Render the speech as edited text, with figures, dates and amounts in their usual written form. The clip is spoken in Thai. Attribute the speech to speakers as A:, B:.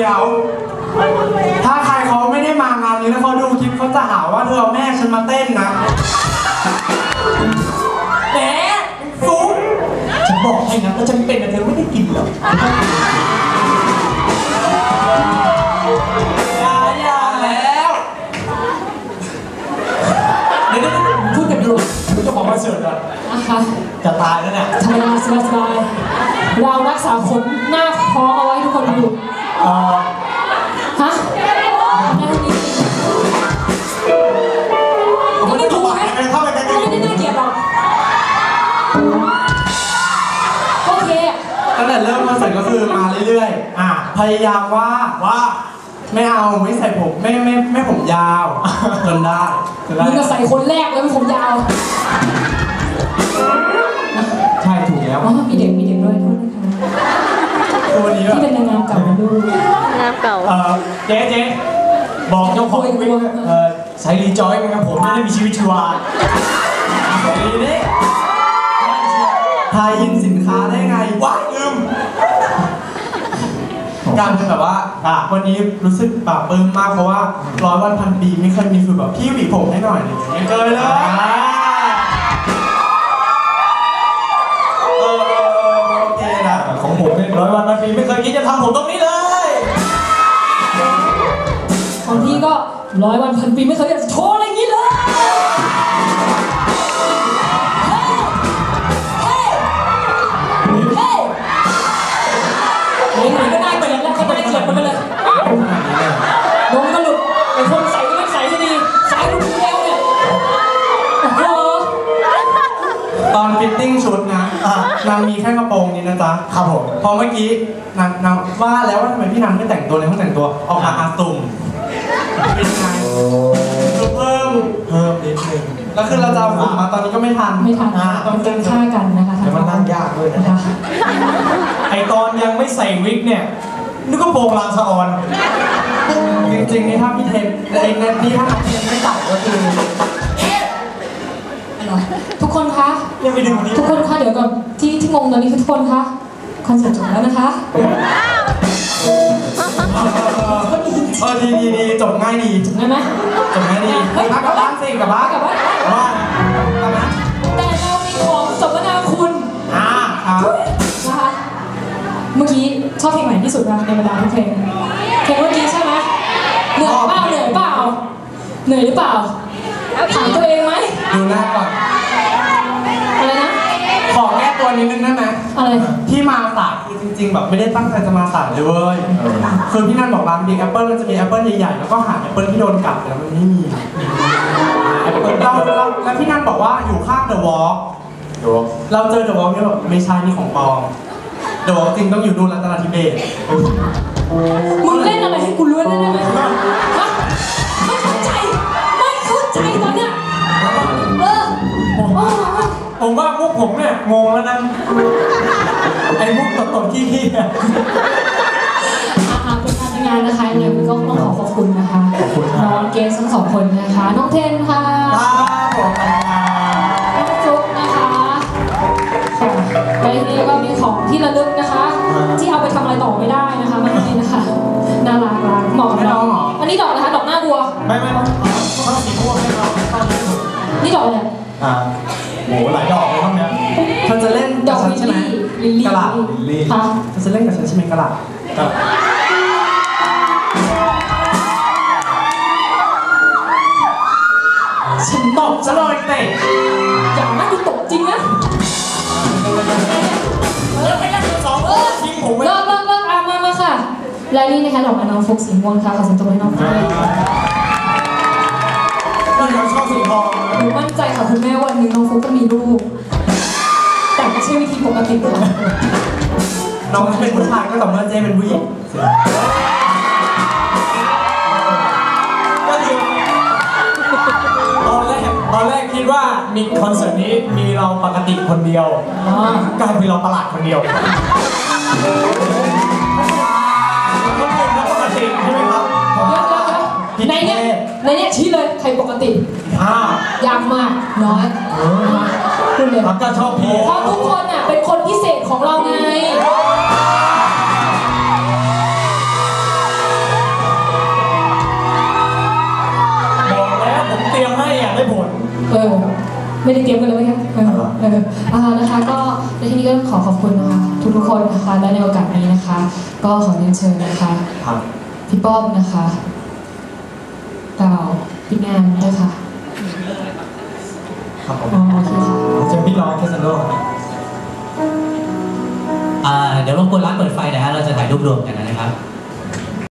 A: ยวถ้าใครเขาไม่ได้มางานนี้แล้วเขาดูคลิปเขาจะหาว่าเธอเอาแม่ฉันมาเต้นนะ
B: แหมฟุ้งฉันบอกให้นะว่าฉันเป็นแต่เธอไม่ได้กินหรอกอย่าแล้วเดี๋ยวพูดกันดูเจ้าของคอนเสิร์ตอะจะตายแล้วเนี่ย
C: ธรรมดาสบายๆเรารักษาขนหน้าท้องเอาไว้ทุกคนดูฮะไม่ได้ถูกไหมไม่ได้น่าเกลียดหรอกโอเค
A: ตั้งแต่เริ่มคอนเสิร์ตก็คือมาเรื่อยๆพยายามว่าไม่เอาไม่ใส่ผมไม่ผมยาวจนได้
C: มึงจะใส่คนแรกเลยผมยาว
A: ใช่ถูกแล้ว
C: มีเด็กด้วยโทษนะคะ
A: ตัวนี้
C: ที่เป็นนางงามเก่าดู
B: งามเก่าเจ๊บอกเจ้าของวิกใส่รีจอยมั้งครับผมไม่ได้มีชีวิตชีวาดีนี่
A: ทายอินสินค้าได้ไงว้าลืมการเป็นแบบว่าวันนี้รู้สึกปลาปลื้มมากเพราะว่า100 วันพันปีไม่เคยมีคือแบบพี่หวีผมให้หน่อยไม่เคยเลยโอเคนะ
B: ของผมเนี่ย100 วันพันปีไม่เคยคิดจะทำผมตรงนี้เลย
C: ของพี่ก็100 วันพันปีไม่เคยอยากจะโชว์อะไรอย่างนี้เลยไหนก็ได้เกิดแล้วก็ได้เกิดมันไปเลยลงก็หลุดไอ้คนใส่ก็ไม่ใส่ให้ดีใส่ลูกเดียวเนี่ย
A: ตอนฟิตติ้งชุดนะนางมีแค่กระโปรงนี้นะจ๊ะ
B: ครับผม
A: พอเมื่อกี้นางว่าแล้วว่าทำไมพี่นันไม่แต่งตัวในห้องแต่งตัวออกมาอาตุ่มเป็นไงเพิ่มนิดนึงแล้วคือเราจะเอาผมมาตอนนี้ก็ไม่ทัน
C: ต้องเจอฆ่ากันนะคะ
A: แต่มันนั่งยากด้วยนะ
B: ไอตอนยังไม่ใส่วิกเนี่ยนึกว่าโปรงลางสะออน
A: จริงๆนี่ถ้าพี่เทนไอ้นี่ถ้าน้องเทนไม่ตัดก็คือ
C: ทุกคนคะ
B: ยังไม่ดึงวันนี้
C: ทุกคนคะเดี๋ยวก่อนที่งงตอนนี้คือทุกคนคะคอนเสิร์ตจบแล้วนะคะ
A: ดีจบง่ายดี
C: จบง่ายไหม
A: จบง่ายดีกลับบ้านสิกลับบ้าน
C: แต่เรามีของสมนาคุณนะคะเมื่อกี้ชอบเพลงไหนที่สุดนะในบรรดาทุกเพลงเมื่อกี้ใช่ไหมเหนื่อยเปล่าเหนื่อยหรือเปล่าถามตัวเองไหม
A: ดูหน้าก่อน
C: อะไรนะ
A: ขอแก้ตัวนิดนึงได้ไหม
C: อะไร
A: ที่มาสายคือจริงๆแบบไม่ได้ตั้งใจจะมาสายเลยเว้ยคือพี่นันบอกร้านบิ๊กแอปเปิลมันจะมีแอปเปิลใหญ่ๆแล้วก็หาแอปเปิลที่โดนกัดแล้วมันไม่มีแอปเปิลแล้วพี่นันบอกว่าอยู่ข้างเดอะวอล์กเราเจอเดอะวอล์กเนี่ยแบบไม่ใช่นี่ของปลอมเดอะวอล์กจริงต้องอยู่ดูรัตนทิเบศ
C: มึงเล่นอะไรให้กูรู้ได้ไหมไม่เข้าใจตอนเนี้ย
B: ผมว่าพวกผมเนี่ยงงแล้วนะไอ้พวกตดขี้
C: เป็นการทำงานนะคะเลยก็ต้องขอบคุณนะคะน้องเกสทั้ง2 คนนะคะน้องเทนค่ะน้องฟุ๊กนะคะและทีนี้ก็มีของที่ระลึกนะคะที่เอาไปทำอะไรต่อไม่ได้นะคะมันนี่นะคะน่ารักเหมาะกับเราอันนี้ดอกนะคะดอกหน้าบัว
B: ไม่ต้องสีม่วงให้เรา
C: นี่ดอกอะไร
B: โหหลายดอกเลยห้องเนี้ย
A: เธอจะเล่น
C: ดอกใช่ไหม
A: กระหล่ำ
C: ค่ะ
A: เธอจะเล่นกับฉันใช่ไหมกระหล่ำ
C: ฉันตบซะเลยเตะอย่างนั้นกูตบจริงนะ
B: ไม่ได้2ทิ้งผม
C: เลิกมาค่ะและนี่นะคะดอกน้องฟุกสีม่วงค่ะขอเสียงตบให้น้องด้วย
B: เราชอบสีทอง
C: หนูมั่นใจค่ะคุณแม่วันนึงน้องฟุกก็มีลูกแต่ไม่ใช่วิธีปกติค่ะ
A: น้องเป็นผู้ชายก็ต่อเมื่อเจ๊เป็นผู้หญิง
B: ก็คือตอนแรกคิดว่ามีคอนเสิร์ตนี้มีเราปกติคนเดียวกลายเป็นเราประหลาดคนเดียวคนอื่นก็ปกติใช่ไหมครับ
C: ในเนี่ยชี้เลยใครปกติยากมากน้อยคุณเลย
B: ก็ชอบเพลง
C: เพราะทุกคนอ่ะเป็นคนพิเศษของเราไงไม่ได้เตรียมกันเลยไหมคะนะคะก็ในที่นี้ก็ขอขอบคุณนะคะทุกคนนะคะและในโอกาสนี้นะคะ ก็ขอเรียนเชิญนะคะพี่ป้อมนะคะกล่าวปิดงานด้วยค่ะ
B: ครับผม
C: โอเคค่ะ
B: เจอพี่น้องแคสโน
D: เดี๋ยวรบกวนร้านเปิดไฟหน่อยฮะเราจะถ่ายรูปรวมกันนะครับ